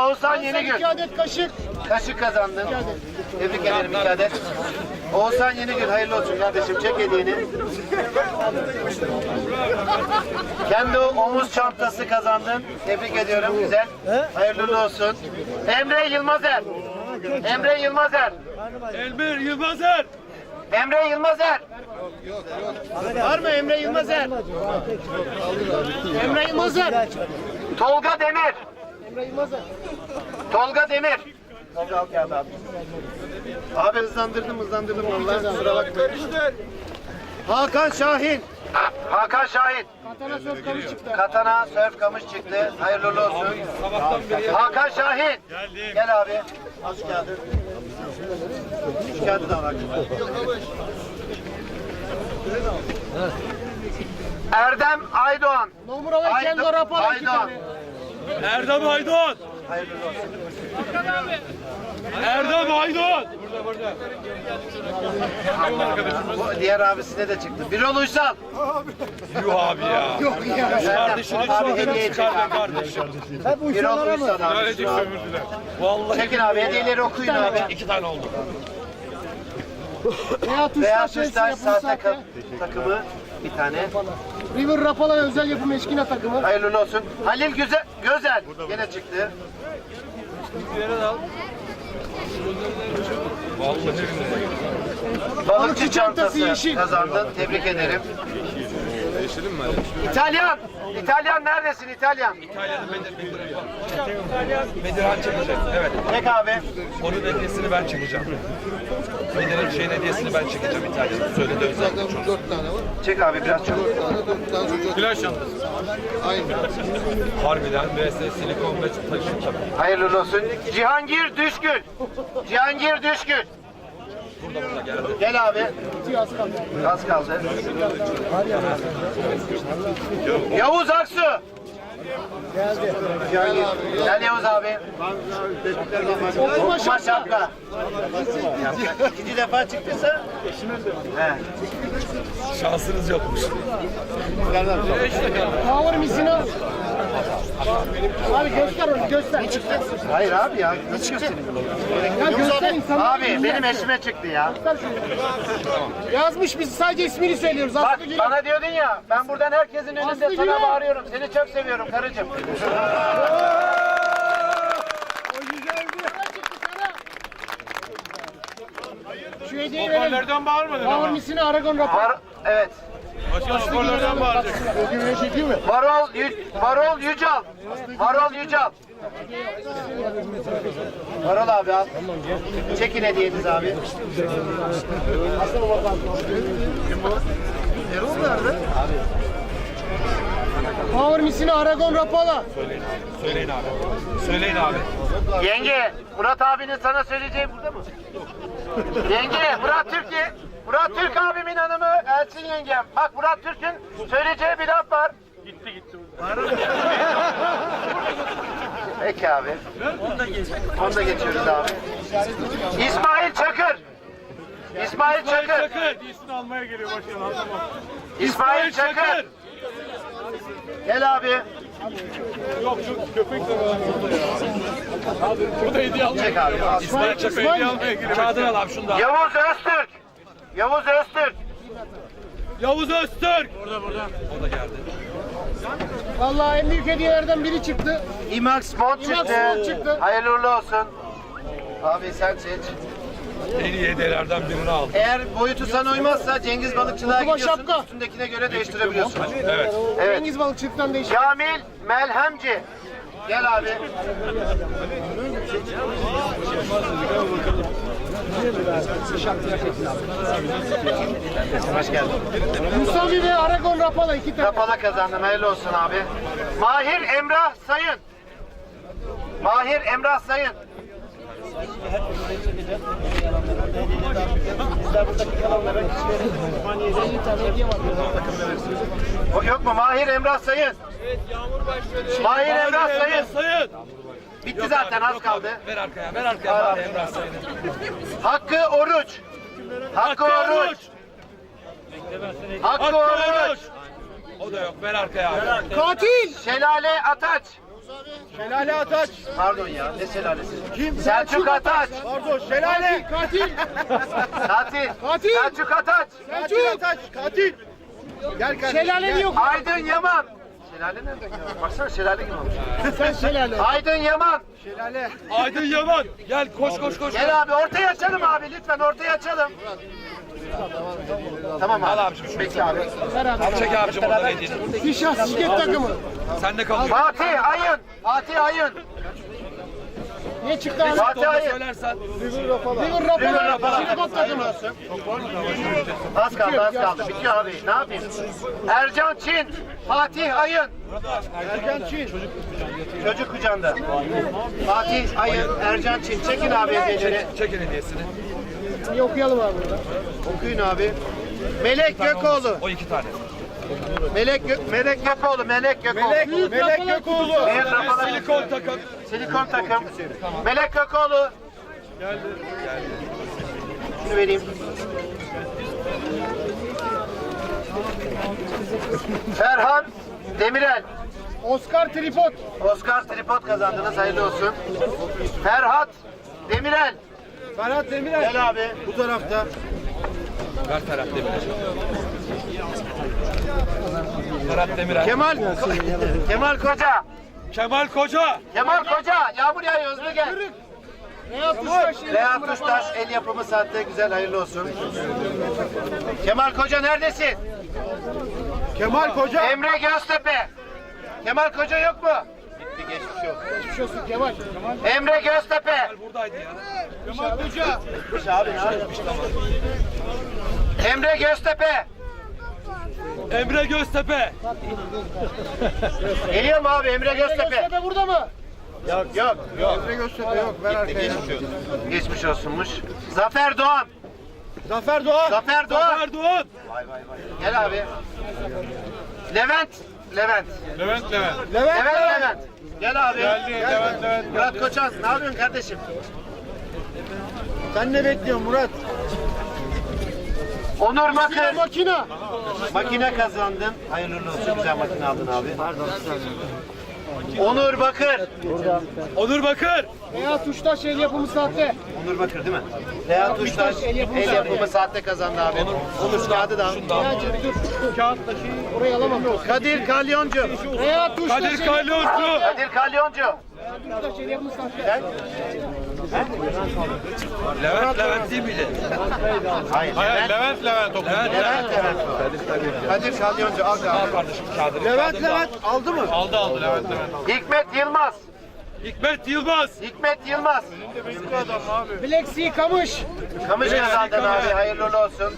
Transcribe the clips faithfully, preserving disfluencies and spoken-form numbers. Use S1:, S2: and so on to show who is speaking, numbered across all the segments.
S1: Oğuzhan Yenigül.
S2: İki adet kaşık.
S1: Kaşık kazandın. Tebrik ederim iki adet. Oğuzhan Yenigül hayırlı olsun kardeşim. Çek hediyeni. Kendi omuz çantası kazandın. Tebrik ediyorum. Güzel. Hayırlı olsun. Emre Yılmazer. Emre Yılmazer.
S3: Elmer Yılmazer.
S1: Emre Yılmazer.
S2: Var mı Emre Yılmazer? Emre Yılmazer.
S1: Tolga Demir.
S2: Emre Yılmazer.
S1: Tolga Demir. Tolga al kağıdı abi. Abi hızlandırdım hızlandırdım vallahi kusura bakma. Hakan Şahin. Hakan Şahin.
S2: Katana söz kamış çıktı.
S1: Katana sörf kamış çıktı. Hayırlı olsun.
S3: Sabahtan beri
S1: Hakan Şahin.
S3: geldim.
S1: Gel abi. Al şu kağıdı. Şu kağıdı da al. Erdem Aydoğan.
S2: Nomura ve Kenzo
S1: Aydo-
S2: Rapala iki
S1: Aydoğan.
S2: tane.
S3: Erdem Aydın.
S1: Hayırlı olsun.
S3: Erdem Aydın.
S1: Bu diğer abisine de çıktı. Birol Uysal.
S3: Yuh abi ya.
S2: Yok ya.
S3: Kardeşini
S1: Abi
S3: çok
S1: hediye çek
S3: çıkar be
S1: abi.
S3: kardeşim.
S1: Birol Uysal abi.
S3: Böylece sömürdüler. Vallahi
S1: Çekin abi hediyeleri okuyun abi.
S3: iki tane oldu.
S2: Veya tuşlar
S1: Beyaz
S2: şeysi
S1: Tuşlar
S2: yapım
S1: sahte
S2: sahte.
S1: ka- takımı bir tane.
S2: River Rapala özel yapım eşkina takımı.
S1: Hayırlı olsun. Halil Güzel, Gözel yine çıktı.
S3: Vallahi
S1: Balıkçı çantası
S2: yeşil.
S1: kazandın. Tebrik ederim. İtalyan. İtalyan neredesin İtalyan?
S3: İtalya'nın Bedir Bedirhan çekecek. Evet.
S1: Çek abi.
S3: Onun hediyesini ben çekeceğim. Bedir'in şeyin hediyesini ben çekeceğim İtalya'da. Söyledi özellikle çocuk.
S4: dört tane var.
S1: Çek abi biraz çabuk.
S4: dört tane çocuk.
S3: Flash çantası.
S4: Aynı.
S3: Harbiden V S silikon ve taşım tabii.
S1: Hayırlı olsun. Cihangir Düşgül. Cihangir Düşgül.
S3: Burada burada geldi.
S1: Gel abi.
S2: Az kaldı.
S1: Az kaldı. Yavuz Aksu.
S2: Geldi.
S1: Cihangir. Gel Yavuz abi.
S2: Okuma
S1: Okuma
S2: şapka.
S1: şapka. İkinci defa çıktıysa. He.
S3: Şansınız yokmuş.
S2: Power misina. Abi göster onu göster. Ne çıktı?
S1: Hayır abi ya. Nasıl göstereyim?
S2: Ya göster insanlara.
S1: Abi benim eşime çıktı ya.
S2: Yazmış biz sadece ismini söylüyoruz.
S1: Bak
S2: Aslı Gül'ün.
S1: bana diyordun ya, ben buradan herkesin önünde
S2: Aslı
S1: sana
S2: Gül'ün.
S1: bağırıyorum. Seni çok seviyorum karıcığım.
S2: Şu hediyeyi verelim.
S3: Hoparlörden bağırmadın
S2: Power
S3: ama.
S2: misina Aragon Rapala.
S1: Var, evet.
S3: Başkan hoparlörden bağıracak.
S2: Ödülüne çekiyor mu?
S1: Varol, Yü, Varol Yücal. Varol Yücal. Varol abi al. Çekin hediyenizi abi. Erol nerede?
S2: Power misina Aragon Rapala.
S3: Söyleyin abi. Söyleyin abi. Söyleyin abi.
S1: Yenge, Murat abinin sana söyleyeceği burada mı? Yenge, Murat Türk'ü. Murat Türk abimin hanımı Elçin yengem. Bak Murat Türk'ün söyleyeceği bir laf var.
S3: Gitti gitti.
S1: Peki abi. Onu da geçiyoruz abi. İsmail Çakır. İsmail Çakır.
S3: Çakır. Hediyesini almaya geliyor başkan. Anlamam.
S1: İsmail Çakır. Gel abi.
S3: Yok şu köpek de var. Bu da hediye almaya
S1: Çek abi. al.
S3: İsmail Çakır hediye almaya geliyor. Kağıdını al abi şunu da.
S1: Yavuz Öztürk. Yavuz Öztürk.
S3: Yavuz Öztürk. Burada burada. O da geldi.
S2: Vallahi en büyük hediyelerden biri çıktı.
S1: İmax Mont
S2: İmax
S1: çıktı.
S2: Mont çıktı.
S1: Hayırlı uğurlu olsun. Abi sen seç.
S3: En iyi hediyelerden birini aldı.
S1: Eğer boyutu sana uymazsa Cengiz Balıkçılığa
S2: Okuma
S1: gidiyorsun.
S2: şapka.
S1: Üstündekine göre değiştirebiliyorsun.
S3: Evet.
S1: Evet.
S2: Cengiz Balıkçılık'tan değişik.
S1: Kamil Melhemci. Gel abi. Hoş geldin.
S2: Musavi ve Aragon Rapala iki tane.
S1: Rapala kazandın. Hayırlı olsun abi. Mahir Emrah Sayın. Mahir Emrah Sayın. O yok mu? Mahir Emrah Sayın.
S3: Evet Yağmur başladı.
S1: Mahir Emrah Sayın.
S3: Sayın.
S1: Bitti zaten az kaldı.
S3: Ver arkaya, ver arkaya bari Emrah Sayın'ı.
S1: Hakkı Oruç. Hakkı Oruç. Hakkı Oruç.
S3: O da yok, ver arkaya abi.
S2: Katil.
S1: Şelale Ataç.
S2: Şelale Ataç.
S1: Pardon ya, ne şelalesi?
S2: Kim?
S1: Selçuk Ataç.
S2: Pardon şelale. Katil.
S1: Katil.
S2: Katil.
S1: Selçuk Ataç.
S2: Selçuk Ataç. Katil. Gel kardeşim. Şelale yok.
S1: Aydın Yaman. Şelale nereden ya? Baksana şelale gibi olmuş.
S2: Sen şelale.
S1: Aydın Yaman.
S2: Şelale.
S3: Aydın Yaman. Gel koş koş koş.
S1: Gel abi ortaya açalım abi lütfen ortaya açalım. Tamam abi.
S3: Al abicim şunu.
S1: Peki abi.
S2: Ver abi.
S3: Çek abicim oradan hediyeni.
S2: Fişah şirket takımı.
S3: Sen de kalıyor.
S1: Fatih Ayın. Fatih Ayın.
S2: Ne çıktı abi?
S1: Fatih
S3: Onu
S1: Ayın.
S3: söylersen.
S2: River Rapala.
S1: River Rapala.
S2: Şirket takımı.
S1: Az kaldı az kaldı. Bitiyor abi. Ne yapayım? Ercan Çin. Fatih Ayın.
S2: Erkan Çin.
S1: Çocuk kucağında. Fatih Ayın. Ercan Çin. Çekin abi hediyeleri.
S3: Çekin hediyesini.
S2: Bir okuyalım abi burada.
S1: Okuyun abi. Melek Gökoğlu.
S3: O iki tane.
S1: Melek Gö Melek Gökoğlu. Melek Gökoğlu.
S2: Melek, Melek Gökoğlu.
S1: Büyük Rapala.
S3: Silikon takım.
S1: Silikon takım. Melek Gökoğlu. Şunu vereyim. Ferhan Demirel.
S2: Oscar Tripod.
S1: Oscar tripod kazandınız. Hayırlı olsun. Ferhat Demirel.
S2: Ferhat Demirel.
S1: Gel abi. Bu tarafta.
S3: Ver Ferhat Demirel. Ferhat Demirel.
S1: Kemal Kemal Koca.
S3: Kemal Koca.
S1: Kemal Koca. Yağmur yağıyor hızlı gel.
S2: Reyhat Tuştaş.
S1: Reha Tuştaş el yapımı saatte güzel hayırlı olsun. Kemal Koca neredesin?
S2: Kemal Koca.
S1: Emre Göztepe. Kemal Koca yok mu? Gitti geçmiş yok.
S2: Geçmiş olsun Kemal.
S1: Emre Göztepe.
S3: Buradaydı ya.
S2: Kemal Koca.
S1: Abi ne yapıyorsun? Emre Göztepe.
S3: Emre Göztepe.
S1: Geliyor mu abi Emre Göztepe?
S2: Göztepe burada mı?
S1: Yok yok. Yok.
S2: Emre Göztepe yok. Ver arkaya.
S1: Geçmiş olsunmuş. Zafer Doğan.
S2: Zafer Doğan.
S1: Zafer Doğan.
S3: Erdoğan.
S1: Gel abi. Levent. Levent.
S3: Levent Levent.
S2: Levent.
S1: Levent Levent. Gel abi.
S3: Levent Levent.
S1: Murat Koçan. Ne yapıyorsun kardeşim?
S2: Sen ne bekliyorsun Murat?
S1: Onur
S2: Makine
S1: Bakır.
S2: makina.
S1: Makine kazandın. Hayırlı olsun. Güzel makine aldın abi. Pardon. Onur Bakır.
S3: Onur Bakır.
S2: Reyhat Tuştaş el yapımı sahte.
S1: Onur Bakır değil mi? Reha Tuştaş
S2: el yapımı
S1: el yapımı saatte kazandı abi. Onur kağıdı da al.
S2: Reyhat'cığım dur. Kağıtla şeyi oraya alamam.
S1: Kadir Kalyoncu.
S2: Reyhat Tuştaş.
S3: Kadir Kalyoncu.
S1: Kadir Kalyoncu.
S2: Tuştaş el yapımı sahte.
S3: Levent Levent değil miydi?
S1: Hayır.
S3: Hayır Levent Levent o. Levent
S1: Levent Levent. Kadir Kalyoncu al
S3: Al
S1: abi.
S3: kardeşim kağıdını.
S2: Levent Levent aldı mı?
S3: Aldı aldı Levent Levent.
S1: Hikmet Yılmaz.
S3: Hikmet Yılmaz.
S1: Hikmet Yılmaz.
S2: Black Sea Kamış.
S1: Kamış kazandın abi. Hayırlı olsun.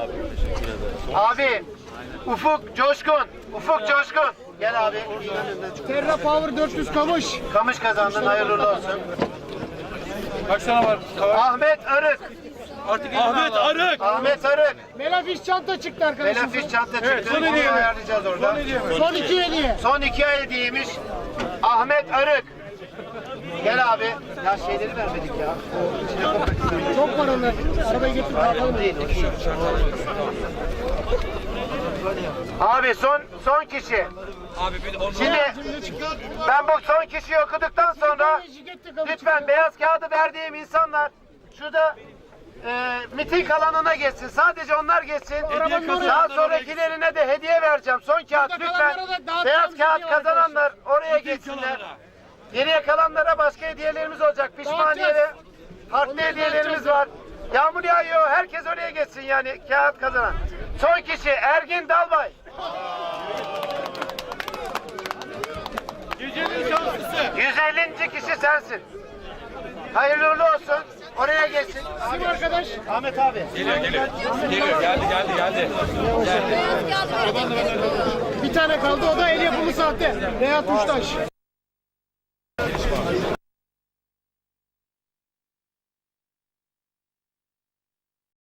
S1: Abi. Ufuk Coşkun. Ufuk Coşkun. Gel abi.
S2: Terra Power dört yüz Kamış.
S1: Kamış kazandın. Hayırlı olsun.
S3: Kaç tane var?
S1: Ahmet Arık.
S3: Ahmet Arık.
S1: Ahmet Arık.
S2: Melafiş çanta çıktı arkadaşlar.
S1: Melafiş çanta çıktı.
S3: son
S1: Onu
S3: hediye mi?
S1: ayarlayacağız orada.
S2: Son iki hediye.
S1: Son iki ay hediyeymiş. Ahmet Arık. Gel abi. Ya şeyleri vermedik ya.
S2: Çok var onlar. Arabayı getir kalkalım.
S1: Değil, o değil. Abi son son kişi.
S3: Abi bir onu.
S1: Şimdi ben bu son kişiyi okuduktan sonra lütfen beyaz kağıdı verdiğim insanlar şurada e, miting alanına geçsin. Sadece onlar geçsin. Daha sonrakilerine de hediye vereceğim. Son kağıt lütfen. Beyaz kağıt kazananlar oraya geçsinler. Geriye kalanlara başka hediyelerimiz olacak. Pişmaniye ve farklı hediyelerimiz var. Yağmur yağıyor. Herkes oraya geçsin yani kağıt kazanan. Son kişi Ergin Dalbay. yüz ellinci kişi sensin. Hayırlı uğurlu olsun. Oraya geçsin.
S2: Kim arkadaş?
S1: Ahmet abi.
S3: Geliyor geliyor. Geliyor geldi geldi geldi.
S2: Bir tane kaldı o da el yapımı sahte. Reyhat Tuştaş.